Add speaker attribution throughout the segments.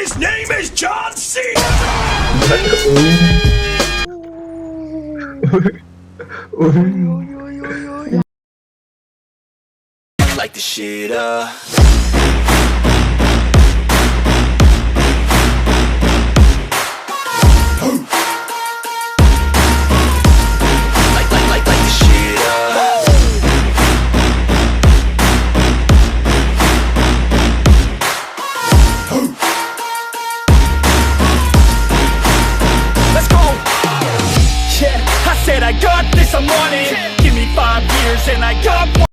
Speaker 1: His name is John C. Like the shit like the shit Let's go. Yeah, I said I got this, I'm on it. Give me 5 years and I got one.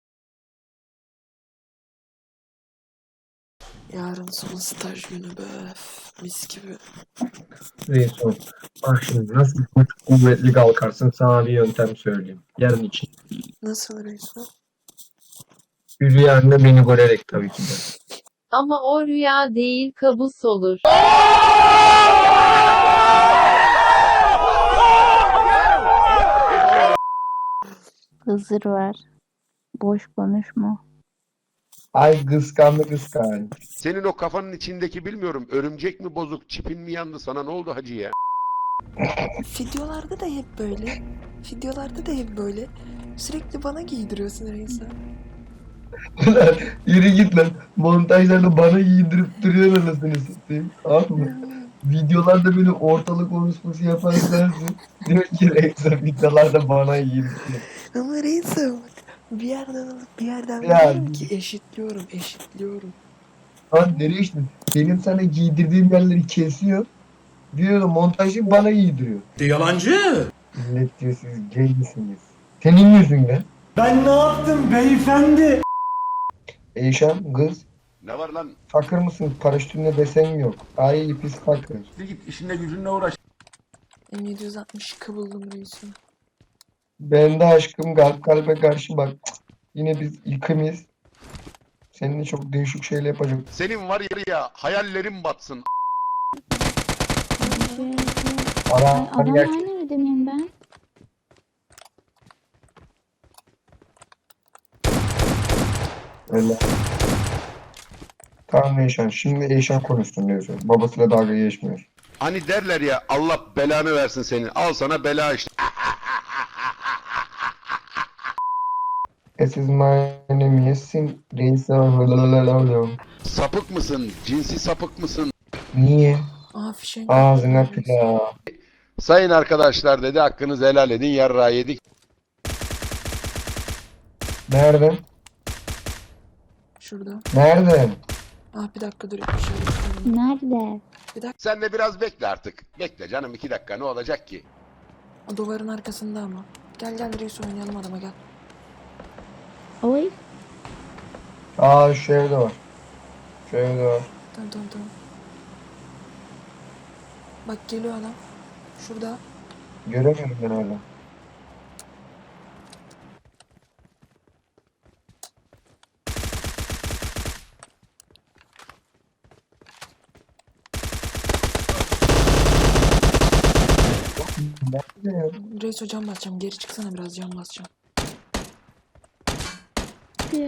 Speaker 2: Yarın son staj günü be. Mis gibi.
Speaker 3: Resul. Bak şimdi nasıl kuvvetli kalkarsın sana bir yöntem söyleyeyim. Yarın için.
Speaker 2: Nasıl Resul?
Speaker 3: Rüyanda beni görerek tabii ki de.
Speaker 4: Ama o rüya değil kabus olur.
Speaker 5: Hızır var. Boş konuşma.
Speaker 3: Ay kıskandı.
Speaker 6: Senin o kafanın içindeki bilmiyorum örümcek mi bozuk, çipin mi yandı, sana ne oldu hacı ya?
Speaker 2: Videolarda da hep böyle. Videolarda da hep böyle. Sürekli bana giydiriyorsun Resul.
Speaker 3: Ulan yürü git lan. Montajlarda bana giydirip duruyor anasını satayım. Tamam mı? Videolarda böyle ortalık konuşması yapan sensin. Diyor ki Resul videolarda bana giydiriyor.
Speaker 2: Ama Resul bak. Bir yerden alıp bir yerden
Speaker 3: Ya.
Speaker 2: veriyorum ki eşitliyorum.
Speaker 3: Lan nereye işte? Benim sana giydirdiğim yerleri kesiyor. Diyor da montajı bana giydiriyor.
Speaker 1: Yalancı.
Speaker 3: Millet diyor siz gay misiniz? Senin yüzünden.
Speaker 1: Ben ne yaptım beyefendi?
Speaker 3: Eyşan kız.
Speaker 6: Ne var lan?
Speaker 3: Fakir mısın? Paraşütünde desen yok. Ay pis fakir.
Speaker 1: Git işinle gücünle uğraş.
Speaker 2: M762 buldum Resul.
Speaker 3: Ben de aşkım kalbe karşı bak. Yine biz ikimiz. Seninle çok değişik şeyler yapacak.
Speaker 6: Senin var ya hayallerin batsın.
Speaker 3: Ara
Speaker 5: Adam
Speaker 3: gerçek.
Speaker 5: aynı evde miyim ben?
Speaker 3: Öyle. Tamam Eyşan. Şimdi Eyşan konuşsun diyorsun. Babasıyla dalga geçmiyor.
Speaker 6: Hani derler ya Allah belanı versin senin. Al sana bela işte.
Speaker 3: This is my name Yasin. Reis.
Speaker 6: Sapık mısın? Cinsi sapık mısın?
Speaker 3: Niye?
Speaker 2: Aa fişek.
Speaker 3: Ağzına pilav.
Speaker 6: Sayın arkadaşlar dedi hakkınızı helal edin yarrağı yedik.
Speaker 3: Nerede?
Speaker 2: Şurada.
Speaker 3: Nerede?
Speaker 2: Bir dakika dur. Şöyle.
Speaker 5: Nerede?
Speaker 6: Sen de biraz bekle artık. Bekle canım 2 dakika ne olacak ki?
Speaker 2: O duvarın arkasında ama. Gel Resul oynayalım adama gel.
Speaker 5: Oy.
Speaker 3: Şu evde var. Şu evde var.
Speaker 2: Tamam. Bak geliyor adam. Şurada.
Speaker 3: Göremiyorum ben hala. Nerede ya?
Speaker 2: Resul cam basacağım. Geri çıksana biraz cam basacağım.
Speaker 5: Diyor.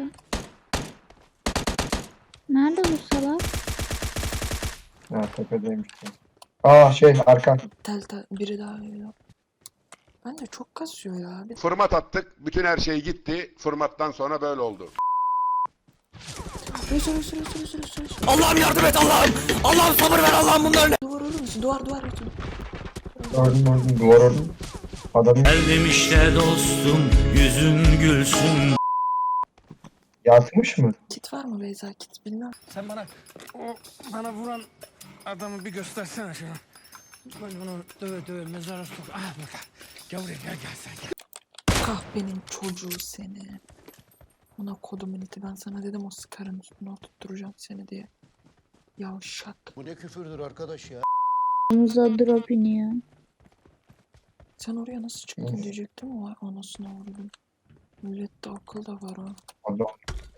Speaker 5: Nerede bu salak?
Speaker 3: Ha tepedeymiş. Arkan.
Speaker 2: Tel biri daha geliyor. Ben de çok kasıyor ya.
Speaker 6: Format attık. Bütün her şey gitti. Formattan sonra böyle oldu.
Speaker 2: Resul.
Speaker 1: Allah'ım yardım et Allah'ım. Allah'ım sabır ver Allah'ım bunların.
Speaker 2: Duvar olur musun? Duvar Resul.
Speaker 3: Gördüm duvar orada. Adam
Speaker 1: Geldim işte dostum yüzün gülsün.
Speaker 3: yatmış mı?
Speaker 2: Kit var mı Beyza? Kit bilmem.
Speaker 7: Sen bana vuran adamı bir göstersene şunu. Ben onu döve mezara sok. Bak. Gel buraya gel sen.
Speaker 2: Kahpenin çocuğu seni. Ona kodumun iti. Ben sana dedim o sıkarın üstüne oturtturacağım seni diye. Yavşak.
Speaker 7: Bu ne küfürdür arkadaş ya.
Speaker 5: Omuza drop iniyor.
Speaker 2: Sen oraya nasıl çıktın diyecektim. Vay anasını vurdum. Millette akıl da var ha.
Speaker 3: Adam.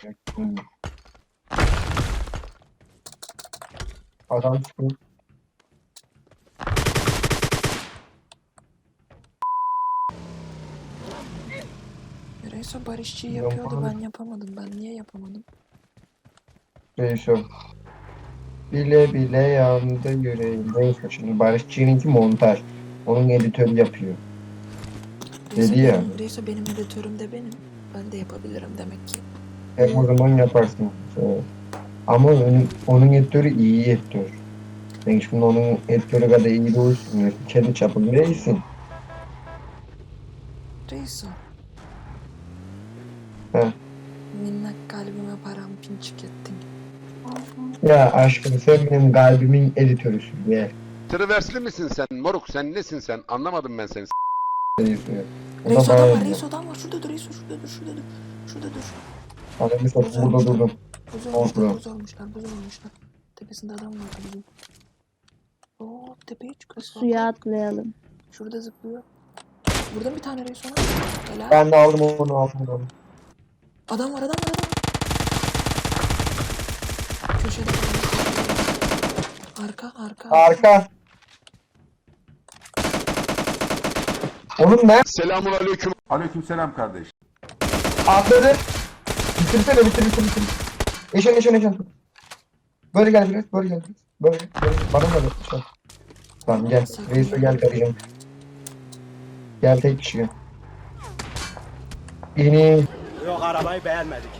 Speaker 3: Adam çıkıyor.
Speaker 2: Neyse barışçıyı yapıyordu ben yapamadım. Ben niye yapamadım?
Speaker 3: Değişiyor. Bile bile yandı yüreğim. Neyse şimdi Barışçı'nınki montaj. Onun editörü yapıyor.
Speaker 2: Reiso
Speaker 3: Dedi ya.
Speaker 2: Benim editörüm de benim. Ben de yapabilirim demek ki.
Speaker 3: Hep o zaman yaparsın. Ama onun editörü iyi editör. Sen şimdi onun editörü kadar iyi değilsin. Kendi çapında değilsin.
Speaker 2: Reiso.
Speaker 3: He.
Speaker 2: Minnak kalbime parampinçik ettin.
Speaker 3: Ya aşkım sen benim kalbimin editörüsün ya.
Speaker 6: Tırversli misin sen moruk sen nesin sen anlamadım ben seni.
Speaker 3: O da
Speaker 2: Reiso adam var,
Speaker 3: bana
Speaker 2: Reiso adam var. Şurada dur, Reiso şurada dur, şurada dur. Şurada dur.
Speaker 3: Adamı satıp burada durdum. Oldu.
Speaker 2: Buz olmuşlar. Tepesinde adam var bizim. Oo, tepeye çıkıyor.
Speaker 5: Suya atlayalım.
Speaker 2: Şurada zıplıyor. Burada bir tane Reiso var. Helal.
Speaker 3: Ben de aldım onu.
Speaker 2: Adam var. Köşede. Arka.
Speaker 3: Arka. Onun ne?
Speaker 6: Selamun aleyküm.
Speaker 8: Aleykümselam kardeş.
Speaker 3: Atladı. Bitir. Eşen. Böyle gel biraz. Böyle. Bana da ver. Tamam gel. Reiso gel kardeşim. Gel tek kişi gel. İni.
Speaker 1: Yok, arabayı beğenmedik.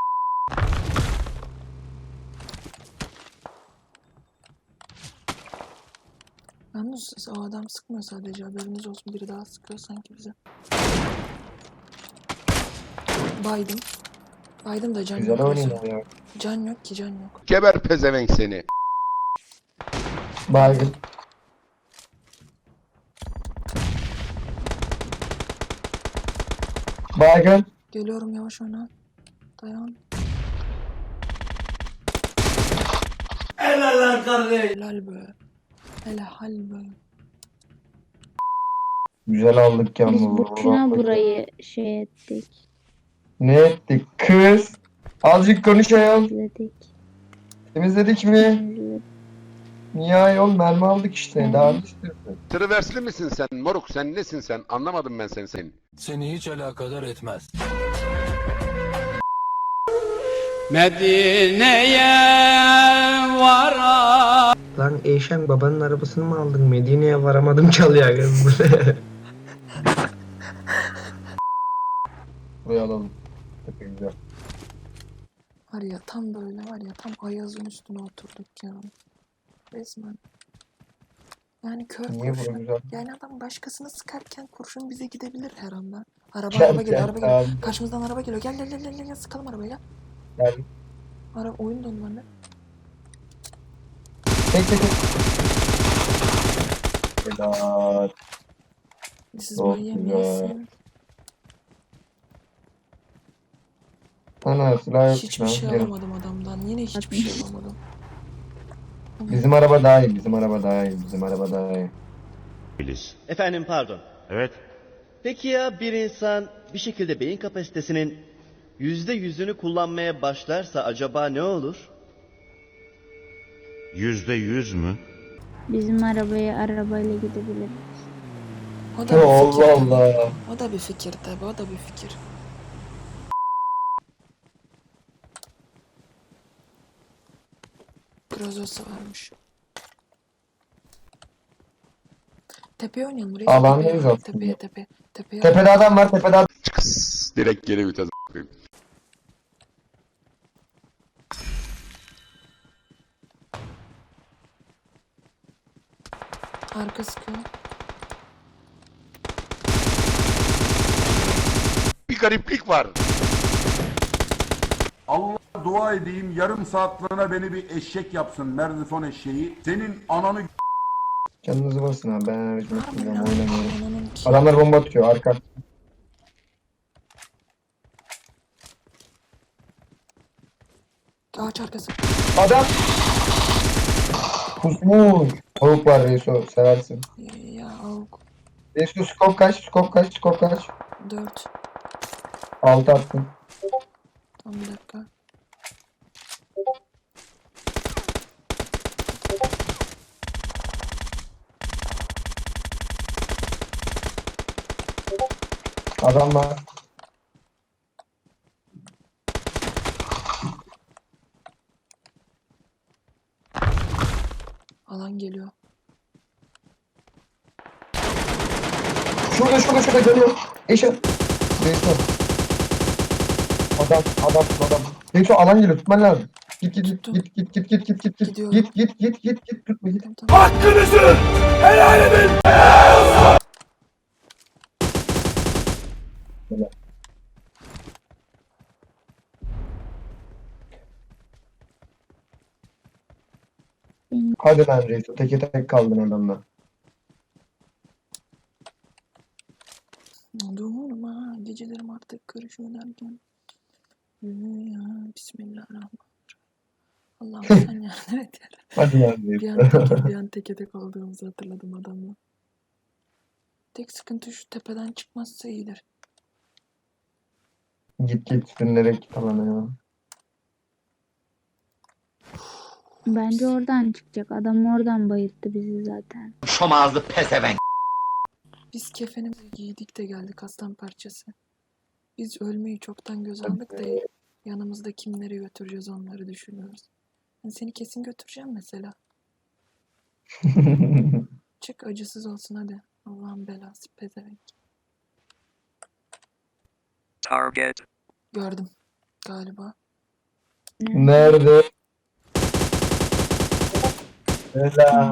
Speaker 2: Yalnız o adam sıkmıyor sadece, haberiniz olsun, biri daha sıkıyor sanki bize. Baydım da can
Speaker 3: Güzel
Speaker 2: yok.
Speaker 3: oynuyor ya.
Speaker 2: Can yok.
Speaker 6: Geber pezevenk seni.
Speaker 3: Baygın. Baygın.
Speaker 2: Geliyorum, yavaş oyna. Dayan.
Speaker 1: Helal kardeş.
Speaker 2: Helal be.
Speaker 3: Güzel aldık
Speaker 5: Biz
Speaker 3: yalnız.
Speaker 5: boşuna burayı şey ettik.
Speaker 3: Ne ettik kız? Azıcık konuşayım.
Speaker 5: İzledik.
Speaker 3: Temizledik mi?
Speaker 5: İzledik.
Speaker 3: Niye ayol mermi aldık işte. Daha ne istiyorsun?
Speaker 6: Tırversli misin sen moruk sen nesin sen anlamadım ben seni.
Speaker 9: Seni hiç alakadar etmez.
Speaker 1: Medine'ye vara.
Speaker 3: Lan Eyşen babanın arabasını mı aldın? Medine'ye varamadım çalıyor kız. Buraya alalım. Çok güzel.
Speaker 2: Var ya tam Ayaz'ın üstüne oturduk ya. Resmen. Yani kör
Speaker 3: Niye
Speaker 2: kurşun.
Speaker 3: bu güzel?
Speaker 2: Yani adam başkasını sıkarken kurşun bize gidebilir her anda. Araba
Speaker 3: Gel,
Speaker 2: geliyor.
Speaker 3: abi.
Speaker 2: Karşımızdan araba geliyor. Gel sıkalım arabaya gel.
Speaker 3: Gel.
Speaker 2: Oyun donu var ne?
Speaker 3: Tek. Helal.
Speaker 2: Siz
Speaker 3: Çok
Speaker 2: böyle
Speaker 3: güzel.
Speaker 2: yemeyesin.
Speaker 3: Ana silah yok.
Speaker 2: Hiçbir şey alamadım adamdan. Yine hiçbir şey alamadım.
Speaker 3: Bizim araba daha iyi. Bizim araba daha iyi.
Speaker 10: Efendim pardon.
Speaker 8: Evet.
Speaker 10: Peki ya bir insan bir şekilde beyin kapasitesinin %100'ünü kullanmaya başlarsa acaba ne olur?
Speaker 8: %100 mü?
Speaker 5: Bizim arabayla gidebiliriz.
Speaker 2: O da bir fikir.
Speaker 3: Allah.
Speaker 2: O da bir fikir tabi. O da bir fikir. Grozosu varmış. Tepeye oynayalım. Buraya
Speaker 3: Alandayız aslında.
Speaker 2: Tepeye.
Speaker 3: Tepede adam var. Tepede adam.
Speaker 6: Çıkıs. Direkt geri vites a**ayım.
Speaker 2: Arka sıkıyor.
Speaker 6: Bir gariplik var.
Speaker 8: Allah dua edeyim yarım saatliğine beni bir eşek yapsın. Merdifon eşeği. Senin ananı
Speaker 3: Canınızı basın abi. Ben aracımı kullanıyorum. Oynamıyorum.
Speaker 2: Ananın ki.
Speaker 3: Adamlar bomba atıyor. Arka.
Speaker 2: Ağaç arkası.
Speaker 3: Adam. Kusmuş. Tavuk var Reiso. Seversin.
Speaker 2: Ya avuk.
Speaker 3: Reiso skop kaç?
Speaker 2: 4.
Speaker 3: 6 attım.
Speaker 2: Tam bir dakika.
Speaker 3: Adam var.
Speaker 2: Alan geliyor.
Speaker 3: Şurada geliyor. Eşe. Neyse. Adam. Neyse alan geliyor, tutman lazım. Git.
Speaker 2: Tuttum.
Speaker 3: Git.
Speaker 2: Gidiyorum.
Speaker 3: Git. Tutma git.
Speaker 2: Tamam.
Speaker 1: Hakkınızı helal edin.
Speaker 3: Hadi lan reis. Teke tek kaldın adamla.
Speaker 2: Durma gecelerim artık karışıyor derken. Ya, Bismillahirrahmanirrahim. Allah'ım sen yardım et.
Speaker 3: Hadi lan reis.
Speaker 2: Bir an teke tek olduğumuzu hatırladım adamla. Tek sıkıntı şu tepeden çıkmazsa iyidir.
Speaker 3: Git sürünerek git alana ya.
Speaker 5: Bence oradan çıkacak. Adam oradan bayılttı bizi zaten.
Speaker 2: Biz kefenimizi giydik de geldik aslan parçası. Biz ölmeyi çoktan göz aldık da yanımızda kimleri götüreceğiz onları düşünüyoruz. Ben seni kesin götüreceğim mesela. Çık acısız olsun hadi. Allah'ın belası pezevenk.
Speaker 1: Target.
Speaker 2: Gördüm galiba.
Speaker 3: Nerede? Helal.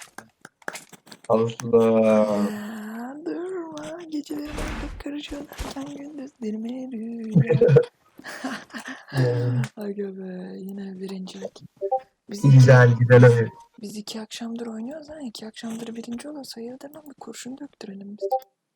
Speaker 3: Allah.
Speaker 2: Ya, durma gecelerim artık karışıyor derken gündüzlerime rüya. Aga be yine birincilik.
Speaker 3: Güzel abi.
Speaker 2: Biz 2 akşamdır oynuyoruz ha. 2 akşamdır birinci olursa hayırdır lan bir kurşun döktürelim biz.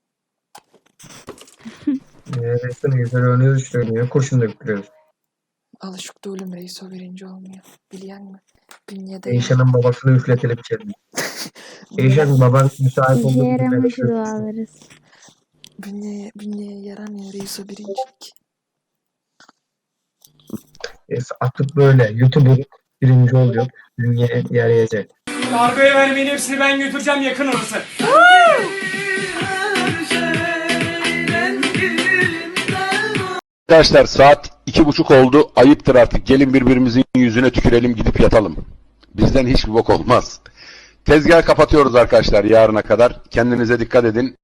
Speaker 3: Resmen güzel oynuyoruz işte. Niye kurşun döktürüyoruz?
Speaker 2: Alışık değilim reis o birinci olmuyor. Biliyor musun? Bünyede
Speaker 3: Eyşan'ın babasını üfletelim içeri. Eyşan baban müsait
Speaker 5: İşe
Speaker 3: olduğu bir
Speaker 5: yaramış
Speaker 3: tane
Speaker 5: dualarız.
Speaker 2: bünyeye yaramıyor reis o birincilik.
Speaker 3: atıp böyle YouTuber birinci oluyor. Dünyaya yarayacak.
Speaker 1: Kargoya vermeyin hepsini ben götüreceğim yakın orası.
Speaker 6: Arkadaşlar saat 2:30 oldu. Ayıptır artık. Gelin birbirimizin yüzüne tükürelim gidip yatalım. Bizden hiçbir bok olmaz. Tezgah kapatıyoruz arkadaşlar yarına kadar. Kendinize dikkat edin.